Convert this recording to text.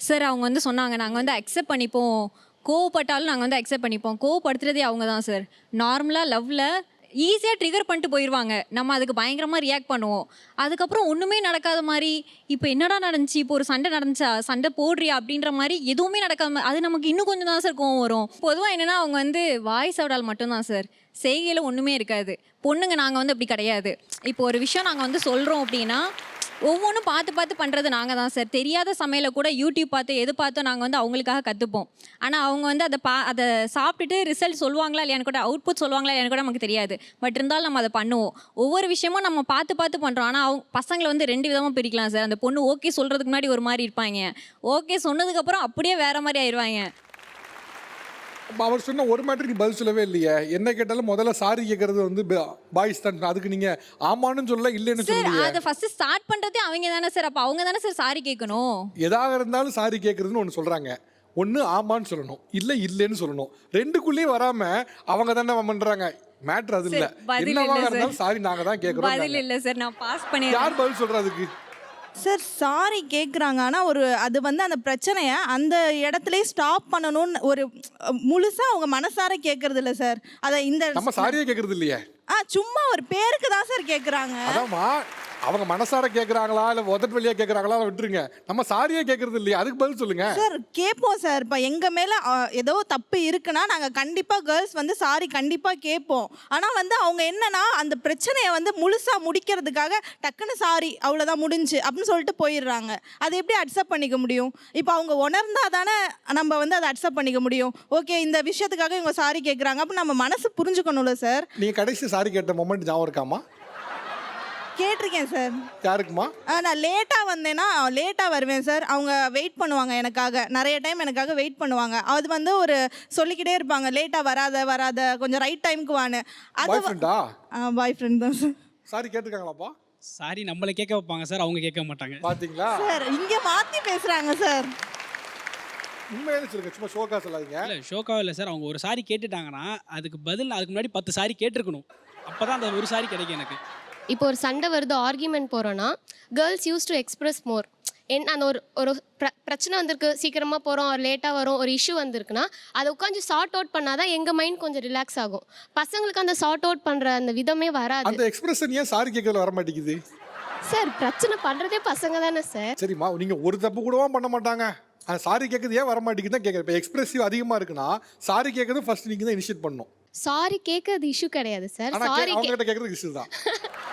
Sir அவங்க வந்து சொன்னாங்க, நாங்கள் வந்து அக்செப்ட் பண்ணிப்போம், கோவப்பட்டாலும் நாங்கள் வந்து அக்செப்ட் பண்ணிப்போம். கோவப்படுத்துறதே அவங்க தான் சார். நார்மலாக லவ்வில் ஈஸியாக ட்ரிகர் பண்ணிட்டு போயிடுவாங்க. நம்ம அதுக்கு பயங்கரமாக ரியாக்ட் பண்ணுவோம். அதுக்கப்புறம் ஒன்றுமே நடக்காத மாதிரி, இப்போ என்னடா நடந்துச்சு, இப்போ ஒரு சண்டை நடந்துச்சா, சண்டை போடுறியா அப்படின்ற மாதிரி எதுவுமே நடக்காம அது நமக்கு இன்னும் கொஞ்சம் தான் சார் கோவம் வரும். பொதுவாக என்னென்னா அவங்க வந்து வாய்ஸ் அவுடால் மட்டும்தான் சார், செய்கையில் ஒன்றுமே இருக்காது. பொண்ணுங்க நாங்கள் வந்து அப்படி கிடையாது. இப்போ ஒரு விஷயம் நாங்கள் வந்து சொல்கிறோம் அப்படின்னா ஒவ்வொன்றும் பார்த்து பார்த்து பண்ணுறது நாங்கள் தான் சார். தெரியாத சமையலை கூட யூடியூப் பார்த்து எது பார்த்தோ நாங்கள் வந்து அவங்களுக்காக கற்றுப்போம். ஆனால் அவங்க வந்து அதை சாப்பிட்டுட்டு ரிசல்ட் சொல்லுவாங்களா இல்லையான்னு கூட, அவுட்புட் சொல்லுவாங்களா இல்லையான்னு கூட நமக்கு தெரியாது. பட் இருந்தாலும் நம்ம அதை பண்ணுவோம். ஒவ்வொரு விஷயமும் நம்ம பார்த்து பார்த்து பண்ணுறோம். ஆனால் அவங்க பசங்களை வந்து 2 விதமாக பிரிக்கலாம் சார். அந்த பொண்ணு ஓகே சொல்கிறதுக்கு முன்னாடி ஒரு மாதிரி இருப்பாங்க, ஓகே சொன்னதுக்கப்புறம் அப்படியே வேறு மாதிரி ஆயிடுவாங்க. அவர் சொன்ன ஒரு மேட்டர் நீ பதில் சொல்லவே இல்லையே. என்ன கேட்டாலும் முதல்ல சாரி கேட்கறது வந்து பாய்ஸ் தான். அதுக்கு நீங்க ஆமான்னு சொல்ல இல்லைன்னு சொல்லுங்க. அதை ஃபர்ஸ்ட் ஸ்டார்ட் பண்றதே அவங்க தானே சார். அப்ப அவங்க தானே சார் சாரி கேட்கணும். எதாக இருந்தாலும் சாரி கேட்கறதுன்னு ஒன்று சொல்றாங்க. ஒன்று ஆமான்னு சொல்லணும், இல்லை இல்லைன்னு சொல்லணும். ரெண்டுக்குள்ளேயும் வராம அவங்க தானே பண்றாங்க. மேட்ரு அது இல்லை. என்னவா இருந்தாலும் சாரி நாங்க தான் கேட்கறோம். பதில் இல்லை சார், நான் பாஸ் பண்ணி. யார் பதில் சொல்றதுக்கு சார்? சாரி கேட்குறாங்க, ஆனால் அது வந்து அந்த பிரச்சனையை அந்த இடத்துலயே ஸ்டாப் பண்ணணும்னு ஒரு முழுசாக அவங்க மனசார கேட்கறது இல்லை சார். அதை நம்ம சாரியே கேட்கறது இல்லையே. சும்மா ஒரு பேருக்கு தான் சார் கேட்குறாங்க. அதாம்மா, அவங்க மனசார கேட்குறாங்களா இல்லை உதட்டு வழியாக கேட்குறாங்களா விட்டுருங்க. நம்ம சாரியே கேட்கறது இல்லையா, அதுக்கு பதில் சொல்லுங்க சார். கேட்போம் சார். இப்போ எங்கள் மேலே ஏதோ தப்பு இருக்குன்னா நாங்கள் கண்டிப்பாக கேர்ள்ஸ் வந்து சாரி கண்டிப்பாக கேட்போம். ஆனால் வந்து அவங்க என்னன்னா அந்த பிரச்சனையை வந்து முழுசாக முடிக்கிறதுக்காக டக்குன்னு சாரி அவ்வளோதான் முடிஞ்சு அப்படின்னு சொல்லிட்டு போயிடுறாங்க. அதை எப்படி அக்செப்ட் பண்ணிக்க முடியும்? இப்போ அவங்க உணர்ந்தா தானே நம்ம வந்து அதை அக்செப்ட் பண்ணிக்க முடியும். ஓகே, இந்த விஷயத்துக்காக இவங்க சாரி கேட்குறாங்க அப்போ நம்ம மனசு புரிஞ்சுக்கணும்ல சார். நீங்கள் கடைசி சாரி கேட்ட மொமெண்ட் ஞாபகம் இருக்காமா? கேட்டிருக்கேன் சார். யாருக்குமா? நான் லேட்டாக வந்தேன்னா லேட்டாக வருவேன் சார். அவங்க வெயிட் பண்ணுவாங்க எனக்காக, நிறைய டைம் எனக்காக வெயிட் பண்ணுவாங்க. அது வந்து ஒரு சொல்லிக்கிட்டே இருப்பாங்க, லேட்டாக வராத கொஞ்சம் ரைட் டைமுக்கு வான்னு. அது பாய் ஃப்ரெண்ட் தான் சார். சாரி கேட்டிருக்காங்களாப்பா? சாரி நம்மளை கேட்க வைப்பாங்க சார், அவங்க கேட்க மாட்டாங்க. பாத்தீங்களா சார்? இங்கே மாற்றி பேசுகிறாங்க சார். உண்மையிலே சொல்லுங்க, சும்மா ஷோக்கா சொல்லாதீங்க. இல்லை ஷோக்காக இல்லை சார். அவங்க ஒரு சாரி கேட்டுட்டாங்கன்னா அதுக்கு பதில் அதுக்கு முன்னாடி 10 சாரி கேட்டிருக்கணும். அப்போ தான் அந்த ஒரு சாரி கிடைக்கும் எனக்கு. இப்போ ஒரு சண்டை வருது, ஆர்கியூமெண்ட் போகிறோன்னா girls use to express more. அந்த ஒரு பிரச்சனை வந்திருக்கு, சீக்கிரமாக போகிறோம், ஒரு லேட்டாக வரும், ஒரு இஷ்யூ வந்திருக்குன்னா அதை உட்காந்து சார்ட் அவுட் பண்ணால் தான் எங்கள் மைண்ட் கொஞ்சம் ரிலாக்ஸ் ஆகும். பசங்களுக்கு அந்த சார்ட் அவுட் பண்ணுற அந்த விதமே வராது. அந்த எக்ஸ்பிரஷன் ஏன் சாரி கேட்கறதுல வர மாட்டேங்குது சார்? பிரச்சனை பண்ணுறதே பசங்க தானே சார். சரிம்மா, நீங்கள் ஒரு தப்பு கூடவா பண்ண மாட்டாங்க. அந்த சாரி கேட்கறது ஏன் வர மாட்டேங்குது தான் கேட்குறேன். இப்போ எக்ஸ்பிரசிவ் அதிகமாக இருக்குன்னா சாரி கேட்கறது ஃபர்ஸ்ட் நீங்கள் தான் இனிஷியேட் பண்ணணும். சாரி கேட்கறது இஷ்யூ கிடையாது சார். சாரி அவங்ககிட்ட கேட்கறது இஷ்யூ தான்.